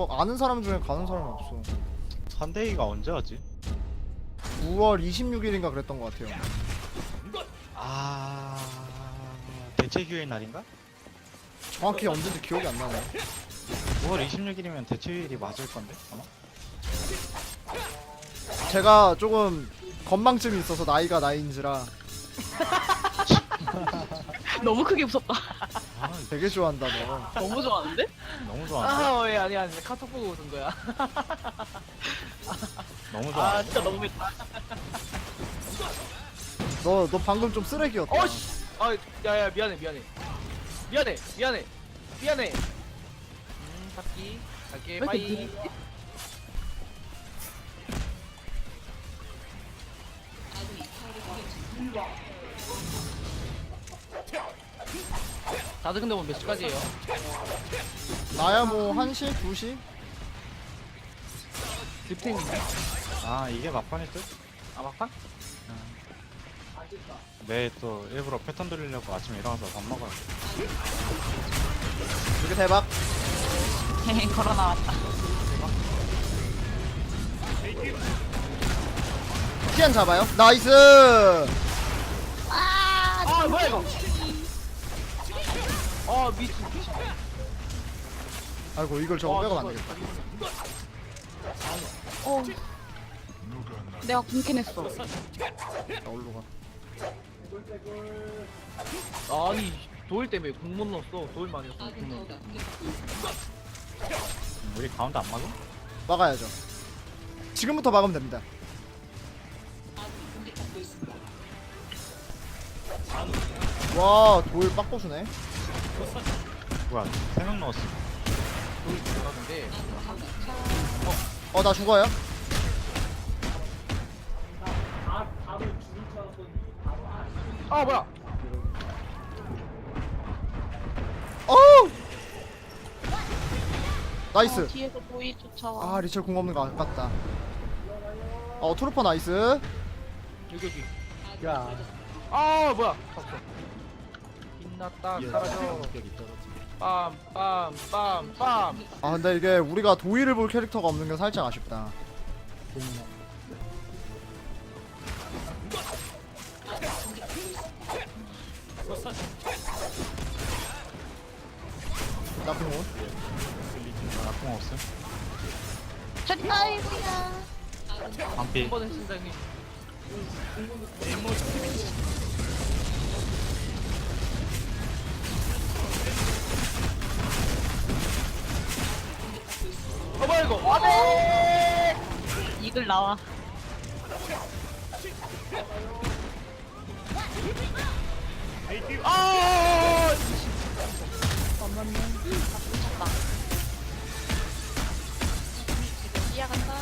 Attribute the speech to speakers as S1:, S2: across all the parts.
S1: 없어가 아는 사람 중에 가는 사람이 없어.
S2: 산데이가 언제 하지?
S1: 9월 26일인가 그랬던 것 같아요.
S2: 아 대체 휴일 날인가?
S1: 정확히 언제인지 기억이 안 나네.
S2: 9월 26일이면 대체 휴일이 맞을 건데 아마?
S1: 제가 조금 건망증이 있어서 나이가 나이인지라
S3: 너무 크게 웃었다.
S2: 아
S1: 되게 좋아한다 너.
S3: 너무 좋아하는데?
S2: 너무 좋아한다.
S4: 왜 아니야 카톡 보고 웃은 거야.
S2: 너무 좋아.
S3: 아 진짜 너무 맵다.
S1: 너 방금 좀 쓰레기였다.
S4: 어씨. 야야 미안해. 바퀴 갈게
S3: 왜 이렇게
S4: 빠이.
S3: 느리지?
S4: 다들 근데 뭐 몇 시까지예요?
S1: 나야 뭐 1시? 2시?
S4: 립탱인데?
S2: 아 이게 막판일 듯?
S4: 아 막판?
S2: 내일 또 일부러 패턴 돌리려고 아침에 일어나서 밥 먹어야 돼.
S1: 이렇게 대박.
S3: 헤헤 걸어 나왔다.
S1: 티안 잡아요. 나이스.
S4: 아 뭐야 이거? 미친.
S1: 아이고 이걸 저거 빼고 안 되겠다.
S3: 어. 내가 궁캔했어.
S1: 나 올로 가.
S4: 아니 도일 때문에 공 못 넣었어. 도일만 했어. 공 넣었어.
S2: 우리 가운데 안 막음?
S1: 막아야죠. 지금부터 막으면 됩니다. 와 도일 빡고수네.
S2: 뭐야 3명 넣었어.
S4: 도일 잘하는데.
S1: 나 죽어요.
S4: 아 뭐야?
S1: 나이스.
S3: 뒤에서 보이 쫓아와.
S1: 아 리첼 공 없는 거 아깝다. 트루퍼 나이스.
S4: 여기. 아 뭐야? 없어. 빛났다 사라져. 빰빰빰빰.
S1: 아 근데 이게 우리가 도일을 볼 캐릭터가 없는 게 살짝 아쉽다. 나쁜 옷.
S2: 나쁜 없음.
S3: 저 아이고야.
S2: 반피.
S4: 한 번은 신장님. 뭐야 이거? 안돼.
S3: 이글 나와.
S4: 아!
S3: 잠깐만요. 다 쫓았다. 뛰어간다.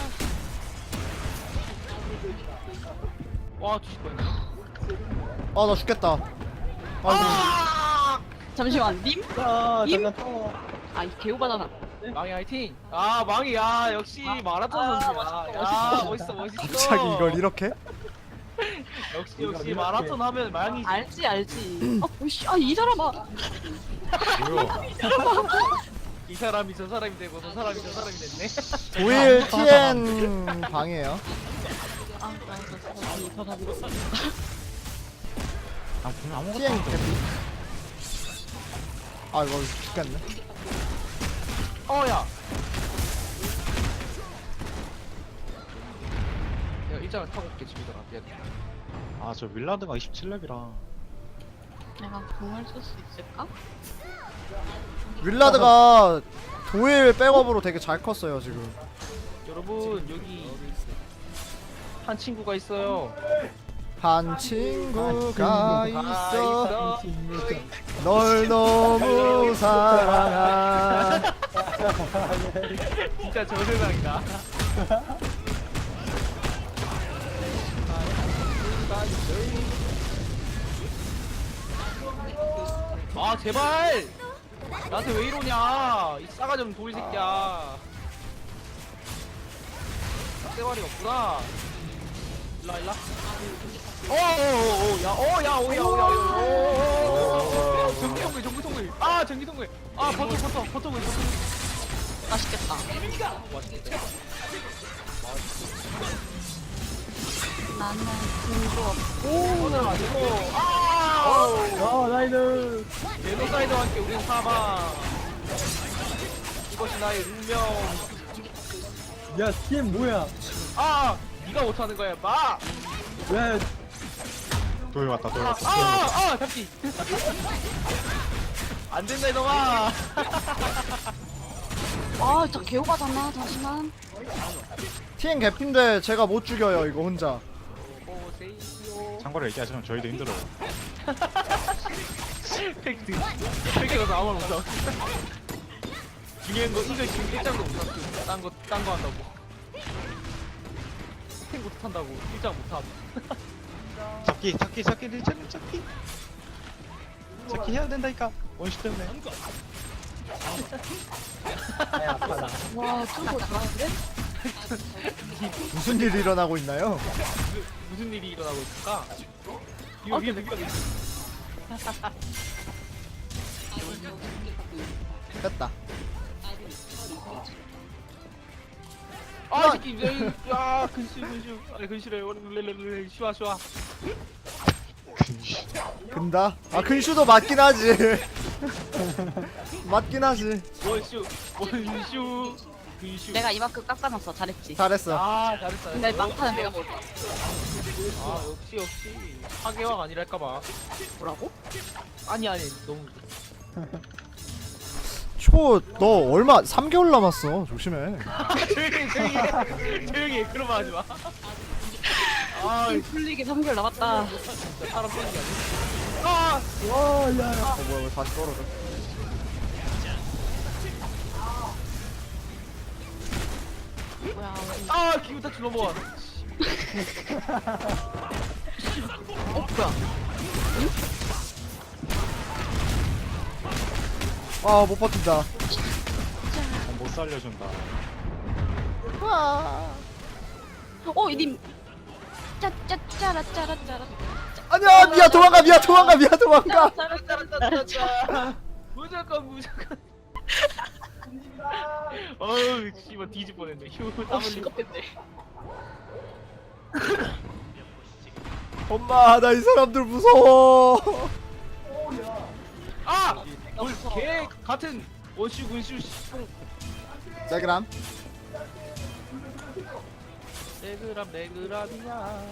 S4: 와 뒤질 뻔했네.
S1: 나 죽겠다. 아이고.
S3: 잠시만 님? 님? 이 개우바잖아.
S4: 망이 화이팅! 망이 역시 마라톤 선수야. 멋있어.
S1: 갑자기 이걸 이렇게?
S4: 역시 마라톤 하면 망이지.
S3: 알지. 오씨 이 사람아.
S2: 뭐야?
S4: 이 사람이 저 사람이 되고 저 사람이 저 사람이 됐네.
S1: 도일 TN 방이에요.
S3: 더 가지고.
S2: 아 분명 아무것도
S1: TN
S2: 안 돼.
S1: 개피. 이거 죽겠네.
S4: 야. 내가 일장을 타고 올게 집에 들어가. 미안해.
S2: 아저 윌라드가 27렙이라.
S3: 내가 공을 쓸 수 있을까?
S1: 윌라드가 도일 백업으로 되게 잘 컸어요 지금.
S4: 여러분 여기 한 친구가 있어요.
S1: 한 친구가 있어.
S4: 있어.
S1: 널 너무 사랑한.
S4: 진짜 저 세상이다. 제발! 나한테 왜 이러냐? 이 싸가지 없는 도일 새끼야. 떼발이가 없구나. 일라. 전기 통글. 전기 통글. 버터.
S3: 맛있겠다.
S4: 맛있겠다.
S3: 나는 공도 없고.
S4: 오늘 아니고 아
S5: 나이스.
S4: 제노사이드와 함께 우린 사망. 이것이 나의 운명.
S5: 야, TM 뭐야?
S4: 아 네가 못하는 거야 마.
S5: 야,
S2: 도일 왔다 도일 왔다.
S4: 잡기. 안 된다 이놈아.
S3: 아, 진짜 개오바잖아. 잠시만.
S1: TN 개핀데 제가 못 죽여요 이거 혼자.
S4: 오세이요.
S2: 참고로 얘기하시면 저희도 힘들어요.
S4: 팩트. 팩트가 아무런 없어. 중요한 거 이거 지금 1장도 못 탔어. 딴거 한다고. 탱 못한다고 1장 못함.
S2: 잡기 리체는 잡기 해야 된다니까 원시 때문에.
S5: 야, 아파라.
S3: 와, 뚫고 나가는데?
S1: 무슨 일이 일어나고 있나요?
S4: 무슨 일이 일어나고 있을까? 이거 위에 느껴.
S1: 됐다.
S4: 아 새끼 야 근슈 아니 근슈래 슈아
S1: 근다? 아 근슈도 맞긴 하지. 맞긴 하지.
S4: 원슈 근슈.
S3: 내가 이만큼 깎아놨어. 잘했지.
S1: 잘했어.
S4: 아 잘했어.
S3: 근데 막타는 내가 뭘
S4: 아 역시 하계왕 아니랄까봐.
S3: 뭐라고?
S4: 아니 너무.
S1: 초 너 얼마 3개월 남았어. 조심해.
S4: 조용히 해. 그런 말 하지 마. 아
S3: 풀리기 3개월 남았다.
S4: 진짜 사람 빼는 게 아니야. 아
S5: 와, 야.
S1: 뭐야 왜 다시 떨어져.
S3: 뭐야.
S4: 기분 다 줄넘어와.
S3: 뭐야.
S1: 아 못 버틴다.
S2: 못 살려준다.
S3: 이님. 짜짜짜라짜라짜라.
S1: 아니야 미야 도망가 미야 도망가.
S4: 짜라짜라짜라짜. 무조건. 어우 씨발 뒤집 뻔했네. 휴 땀 흘리고.
S3: 시겁했네.
S1: 엄마 나 이 사람들 무서워.
S4: 걔 같은 원슈 군슈 뽕.
S1: 자그람.
S4: 레그람이야.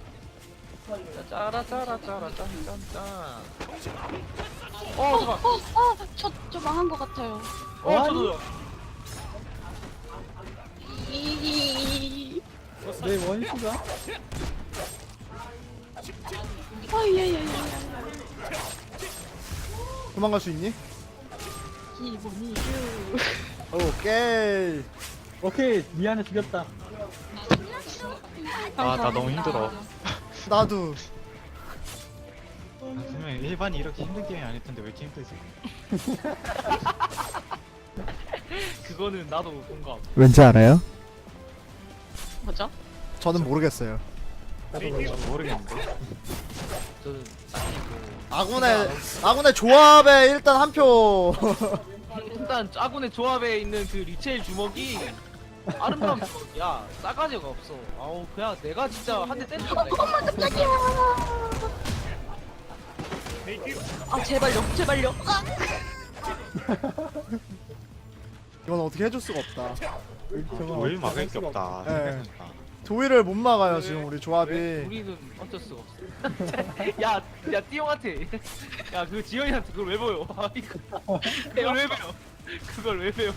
S4: 짜라짜라짜라짠짠짠. 잠깐.
S3: 저 망한 것 같아요.
S4: 저도요.
S5: 내 원슈가?
S3: 예예예.
S1: 도망갈 수 있니?
S3: 기분이
S1: 오케이.
S5: 오케이, 미안해 죽였다.
S2: 나 너무 힘들어.
S1: 나도.
S2: 분명 일반이 이렇게 힘든 게임이 아닐 텐데 왜 이렇게 힘들지?
S4: 그거는 나도 공감.
S1: 왠지 알아요?
S3: 뭐죠?
S1: 저는 모르겠어요.
S2: 모르겠는데.
S4: 저는
S1: 아군의 조합에 일단 한 표.
S4: 일단 아군의 조합에 있는 그 리첼 주먹이 아름다운 주먹이야. 싸가지가 없어. 아우 그냥 내가 진짜 한 대 때리면 돼.
S3: 아 제발요.
S1: 이건 어떻게 해줄 수가 없다.
S2: 도일 막을 게 없다.
S1: 네. 도일을 못 막아요 지금 우리 조합이.
S4: 우리는 어쩔 수가 없어. 야 띠용한테 야 그 지영이한테 그걸 왜 보여? 아, 그걸 왜 배워? 그걸 왜 배워?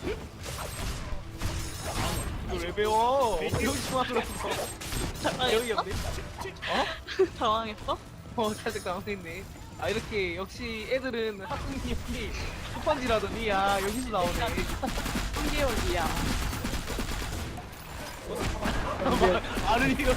S4: 그걸 왜 배워? 병신만으로 여기 없네.
S3: 당황했어?
S4: 살짝 당황했네. 아 이렇게 역시 애들은 학생님이 초판지라더니 야 여기서 나오네.
S3: 3개월이야.
S4: 아르니가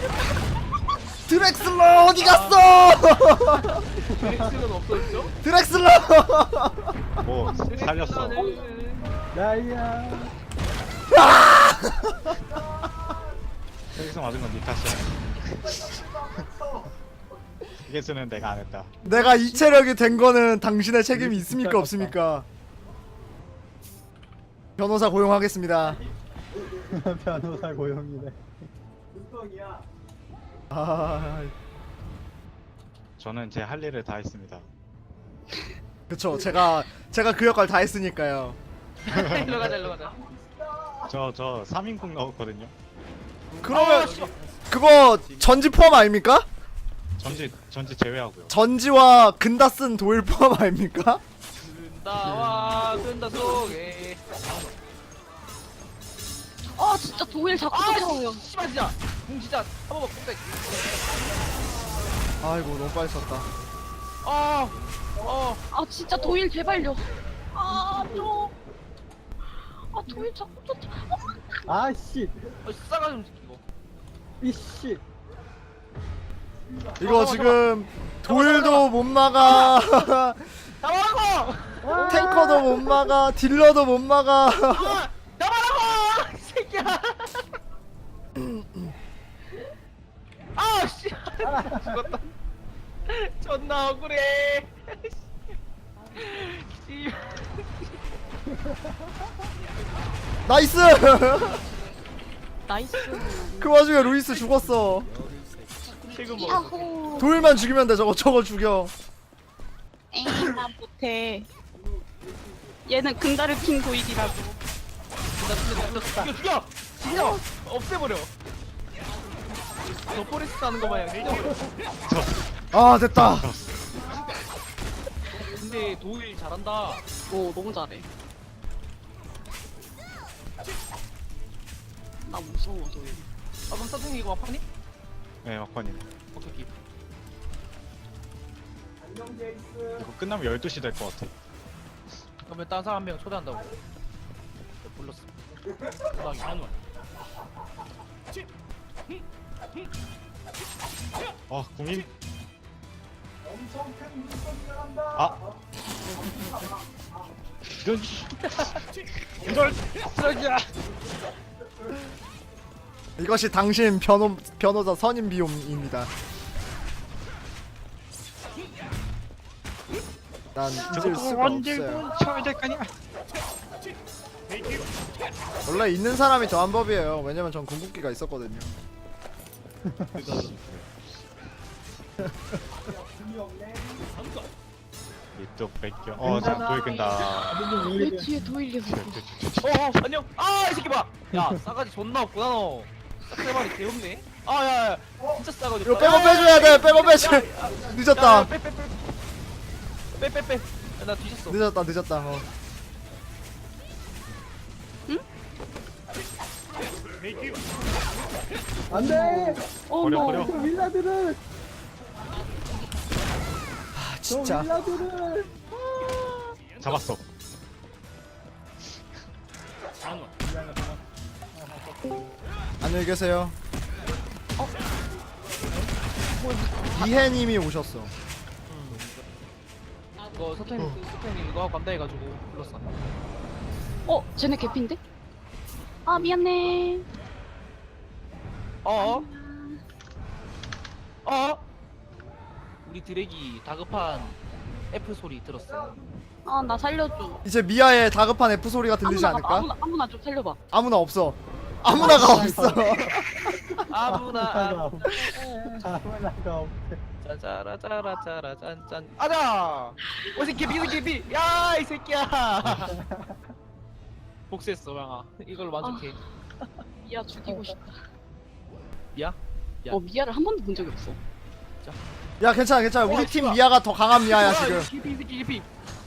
S1: 드렉슬러 어디 갔어?
S4: 드렉스는 없어졌죠?
S1: 드렉슬러.
S2: 뭐 살렸어.
S5: 나이야.
S2: 여기서 맞은 건 니 탓이야. 이게 쓰는 내가 안 했다.
S1: 내가 이 체력이 된 거는 당신의 책임이 있습니까 없습니까? 변호사 고용하겠습니다.
S5: 변호사 고용이네.
S1: 아,
S2: 저는 제 할 일을 다 했습니다.
S1: 그쵸. 제가 그 역할 다 했으니까요.
S4: 일로 가자 일로 가자.
S2: 저 3인국 넣었거든요.
S1: 그러면 그거 전지 포함 아닙니까?
S2: 전지 제외하고요.
S1: 전지와 근다 쓴 도일 포함 아닙니까?
S4: 든다와 든다 속에.
S3: 아 진짜 도일 자꾸 쫓아와요.
S4: 씨발 진짜. 공 진짜 한번 꼭
S1: 아이고 너무 빨리 썼다.
S3: 아 진짜 도일 제발요. 아 좀. 아 도일 자꾸 쫓아.
S5: 아씨,
S4: 싸가 좀 이거.
S5: 이씨.
S1: 이거 지금 도일도 못 막아.
S4: 나와라고!
S1: 탱커도 못 막아. 딜러도 못 막아.
S4: 나와라고! 이 새끼야! 아 씨! 죽었다. 존나 억울해. 씨.
S1: 나이스.
S3: 나이스.
S1: 그 와중에 루이스 죽었어.
S4: 최근 뭐?
S3: 야호.
S1: 도일만 죽이면 돼. 저거 죽여.
S3: 에이 나 못해. 얘는 근다를 킨 도일이라고.
S4: 죽여! 죽여! 없애버려. 저 포레스트 하는 거 마냥 죽여.
S1: 아 됐다.
S4: 근데 도일 잘한다.
S3: 오 너무 잘해. 나 무서워 도일.
S4: 아 그럼 사장님 이거 막판이?
S2: 네, 막판님.
S4: 오케이.
S2: 이거 끝나면 12시 될 것 같아.
S4: 그러면 다른 사람 한 명 초대한다고. 불렀어. 초대하기 한원.
S2: 아, 국민. 아. 이런 이럴 쓰레기야.
S1: 이것이 당신 변호사 선임 비용입니다. 난 잊을 수가 없어요.
S2: 쳐야 될 거냐?
S1: 원래 있는 사람이 더한 법이에요. 왜냐면 전 궁극기가 있었거든요.
S2: 또 뺏겨. 자, 보이긴다.
S3: 왜 뒤에 도일이 없어?
S4: 안녕. 아 이 새끼 봐. 야 싸가지 존나 없구나 너. 싹대발이 개없네. 아야야 진짜 싸가지.
S1: 이거 백업 빼줘야 돼. 백업 빼줘. 늦었다.
S4: 빼. 나 뒤졌어.
S1: 늦었다.
S5: 안돼.
S2: 버려, 버려.
S5: 저 윌라들을.
S1: 아
S5: 저
S1: 진짜.
S5: 윌라들을.
S2: 잡았어.
S1: 안녕히 계세요. 이해님이 오셨어.
S4: 이거 서태님 이거 하고 감당해가지고 불렀어.
S3: 어 쟤네 개피인데? 아 미안해.
S4: 어? 우리 드랙이 다급한 F 소리 들었어.
S3: 아 나 살려줘.
S1: 이제 미아의 다급한 F 소리가 들리지 않을까?
S3: 아무나 좀 살려봐.
S1: 아무나 없어. 아무나가 없어.
S4: 아무나
S5: 아무나가 없대.
S4: 짜자라짜라짜라 짠짠 아자! 이 새끼 개피 야 이 새끼야. 복수했어 방아. 이걸로 만족해.
S3: 미아 죽이고 싶다.
S4: 미야? 야.
S3: 미아를 한 번도 본 적이 없어.
S1: 야 괜찮아. 우리 팀 미아가 더 강한 미아야 지금.
S4: 개피 이 새끼 개피.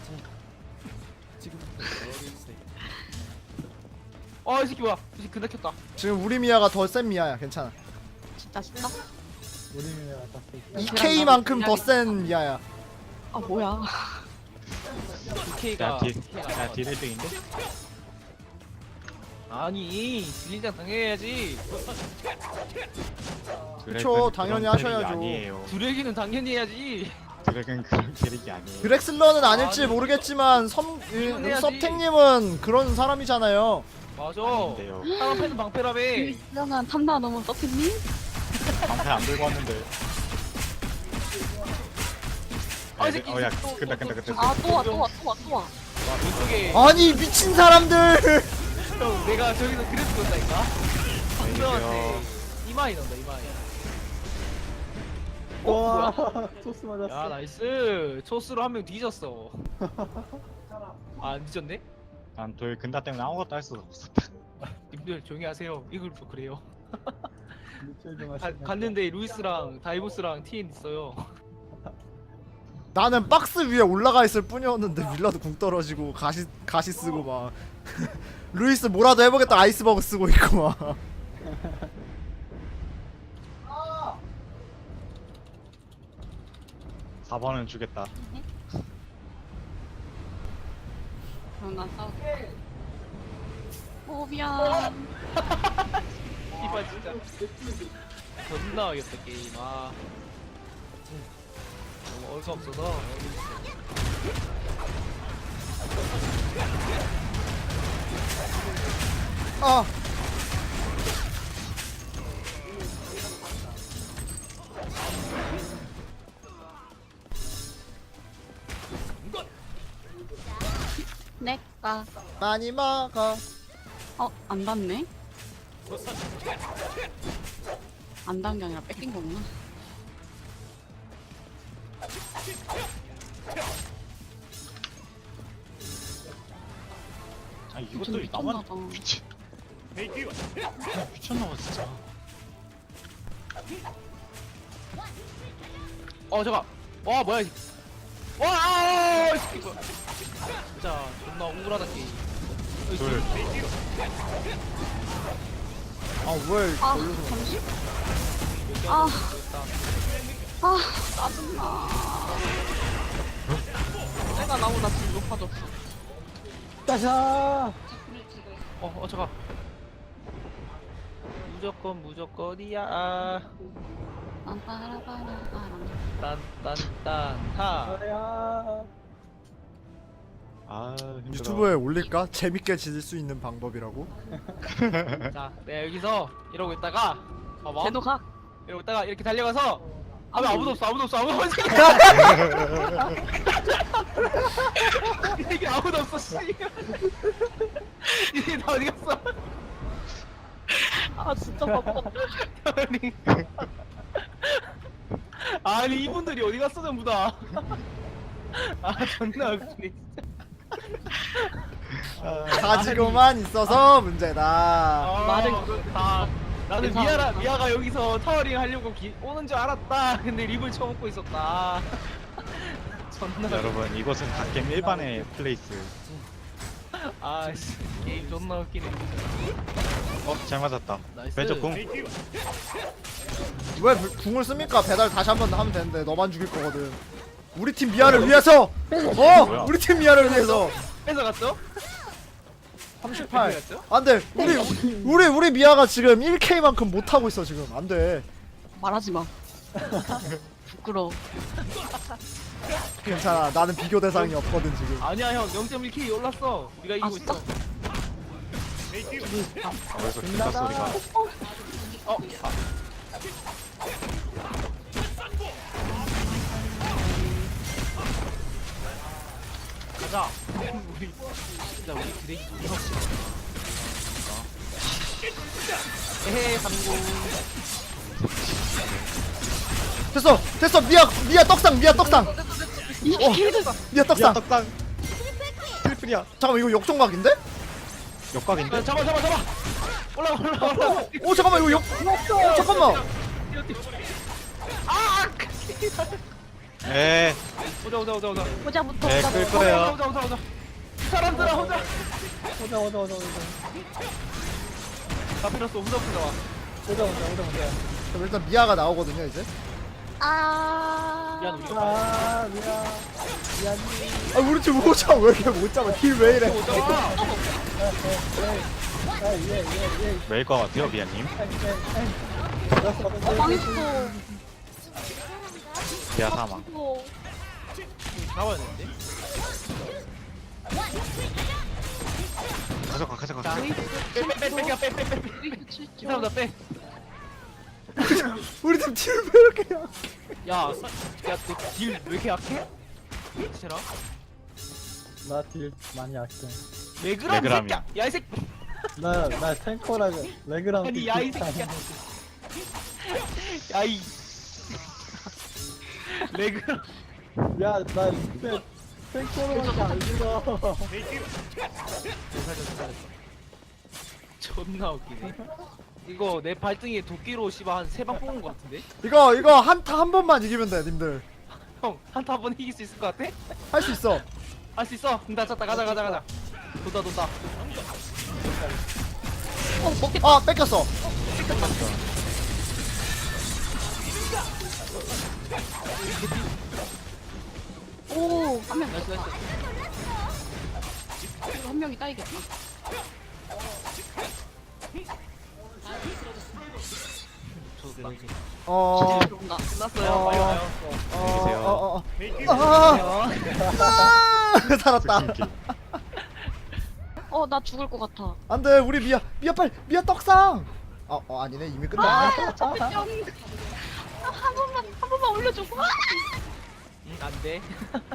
S4: 이 새끼 뭐야? 이 새끼 근데 켰다.
S1: 지금 우리 미아가 더 센 미아야. 괜찮아.
S3: 진짜?
S5: 우리 민혜가 땄어.
S1: 2K만큼 더 센 미아야.
S3: 아 뭐야?
S4: DK가
S2: 야, 딜 1등인데?
S4: 아니 딜린장 당해야지.
S1: 그쵸, 당연히 하셔야죠.
S2: 아니에요.
S4: 두레기는 당연히 해야지.
S2: 드랙은 그런 캐릭이 아니에요.
S1: 드렉슬러는 아닐지 모르겠지만 섭택님은 그런 사람이잖아요.
S4: 맞아.
S2: 아닌데요.
S4: 사람 패는 방패라며.
S3: 유명한 탐나 넘은 서피님?
S2: 방패 안 들고 왔는데.
S4: 이 새끼.
S2: 야, 끝나.
S3: 아 또 와.
S4: 왼쪽에
S1: 아니 미친 사람들.
S4: 형 내가 저기서 그래서 그런다니까. 상대한테 이마이 넣는다 이마이.
S5: 와, 토스
S4: 야
S5: 맞았어.
S4: 나이스. 초스로 한 명 뒤졌어. 안 뒤졌네?
S2: 난 도일 근다 때문에 아무것도 할 수가 없었다.
S4: 님들 조용히 하세요. 이글도 그래요.
S5: 리첼 좀 하시네.
S4: 갔는데 루이스랑 다이보스랑 TN 있어요.
S1: 나는 박스 위에 올라가 있을 뿐이었는데 밀라도 궁 떨어지고 가시 쓰고 막 루이스 뭐라도 해보겠다 아이스버그 쓰고 있고 막.
S2: 4번은 주겠다.
S3: 그럼 나 싸울게. 오 미안.
S4: 이봐 진짜. 존나 어이없다 게임. 아. 너무 어이가 없어서.
S1: 아
S3: 내가
S1: 많이 먹어.
S3: 안 닿네. 안 닿은 게 아니라 뺏긴 거구나.
S2: 아
S3: 좀
S2: 이것도 나만
S3: 미쳤나봐.
S2: 미쳤나봐 진짜.
S4: 잠깐. 와 뭐야? 와! 이 새끼 뭐야? 진짜 존나 우울하다 게임.
S2: 둘.
S1: 아왜
S3: 아 잠시. 아 짜증나. 내가 나보다 지금 높아졌어.
S5: 따샤.
S4: 잠깐. 무조건이야.
S3: 빰빠라빠라빠람.
S4: 딴딴딴타.
S5: 아야.
S2: 아 힘들어.
S1: 유튜브에 올릴까? 재밌게 지낼 수 있는 방법이라고?
S4: 자, 내가 여기서 이러고 있다가 봐봐.
S3: 쟤도 가.
S4: 이러고 있다가 이렇게 달려가서 아무도 없어. 이게 아무도 없어. 씨. 이게 다 어디 갔어?
S3: 아 진짜 바빠.
S4: 아니 이분들이 어디 갔어 전부 다. 아 존나 웃기네 진짜.
S1: 가지고만 있어서 문제다.
S4: 말은 그렇다. 나는
S3: 괜찮아.
S4: 미아가 여기서 타워링 하려고 오는 줄 알았다. 근데 립을 쳐먹고 있었다. 존나.
S2: 여러분 이것은 갓겜 일반의 플레이스.
S4: 아씨 게임 존나 웃기네.
S2: 잘 맞았다.
S4: 나이스.
S2: 왼쪽 궁.
S1: 왜 궁을 씁니까? 배달 다시 한 번 하면 되는데 너만 죽일 거거든. 우리 팀 미아를 위해서.
S2: 뭐야?
S1: 우리 팀 미아를 위해서.
S4: 뺏어갔죠?
S1: 38.
S4: 뺏어갔죠?
S1: 안돼. 우리 미아가 지금 1K만큼 못 하고 있어 지금. 안돼.
S3: 말하지 마. 부끄러워.
S1: 괜찮아. 나는 비교 대상이 없거든 지금.
S4: 아니야 형 0.1K 올랐어. 우리가 이기고
S3: 진짜?
S4: 있어.
S2: 어디서 기타 소리가.
S4: 가자. 우리 진짜 우리 드레이기 존나 없어. 에헤 성공.
S1: 됐어. 미아 떡상. 미아 떡상.
S2: 야
S1: 떡상.
S2: 떡상. 트리플이야.
S1: 잠깐만 이거 역종각인데?
S2: 역각인데?
S4: 잡아. 올라.
S1: 오 잠깐만 이거 잠깐만.
S4: 아!
S2: 에.
S4: 오자.
S3: 호자부터
S2: 네, 끌 거예요.
S4: 오자. 사람들아 혼자.
S5: 오자.
S4: 다 필요없어. 혼자 와.
S5: 오자.
S1: 그럼 일단 미아가 나오거든요 이제.
S4: 미안 우리가
S5: 아, 미안.
S1: 아 우리 팀 오자 왜 이렇게 못 잡아? 딜 왜 이래?
S4: 오자.
S5: 예.
S2: 왜일 것 같아요 미아님?
S3: 망했어.
S2: 미아 사망.
S4: 잡아야 되는데.
S2: 가져가.
S4: 자, 빼. 이 사람 다 빼.
S1: 우리 팀 딜 왜 이렇게 약해?
S4: 야, 너 딜 왜 이렇게 약해? 세라?
S5: 나 딜 많이 약해.
S4: 레그람
S2: 레그람이야.
S4: 새끼야. 야이 새끼.
S5: 나 탱커라 레그랑
S4: 아니 야이 새끼야. 야이. 레그람.
S5: 야나 탱커로밖에 안 죽어.
S4: 존나 웃기네. 이거 내 발등에 도끼로 씨발 한 3방 뽑은 거 같은데?
S1: 이거 한타 한 번만 이기면 돼 님들.
S4: 형 한타 한 번 이길 수 있을 것 같아?
S1: 할 수 있어.
S4: 할 수 있어. 나 찼다. 가자. 돈다.
S3: 먹겠다.
S1: 아 뺏겼어.
S3: 오, 한 명.
S4: 나이스.
S3: 이거 한 명이 따이겠다.
S4: 좋다.
S3: 들어온다.
S4: 끝났어요. 빨리 와요.
S1: 살았다.
S3: 나 죽을 것 같아.
S1: 안돼 우리 미야 미야 떡상. 아니네 이미 끝났네.
S3: 한 번만 올려줘.
S4: 안 돼.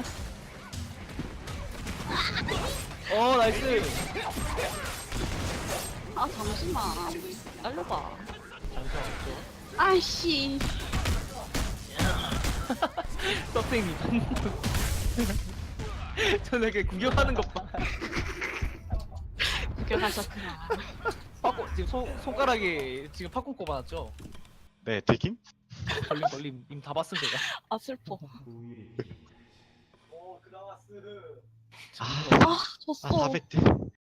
S4: 나이스.
S3: 잠시만. 날려봐.
S4: 잠시만 없죠.
S3: 아이씨.
S4: 떡생님. 저녁에 구경하는 것 봐.
S3: 구경하셨구나.
S4: 팝콘 지금 손가락에 지금 팝콘 꼽아놨죠?
S2: 네, 튀김?
S4: 걸림 님 다 봤음 제가.
S3: 아, 슬퍼.
S2: 아,
S3: 졌어.
S2: 400대.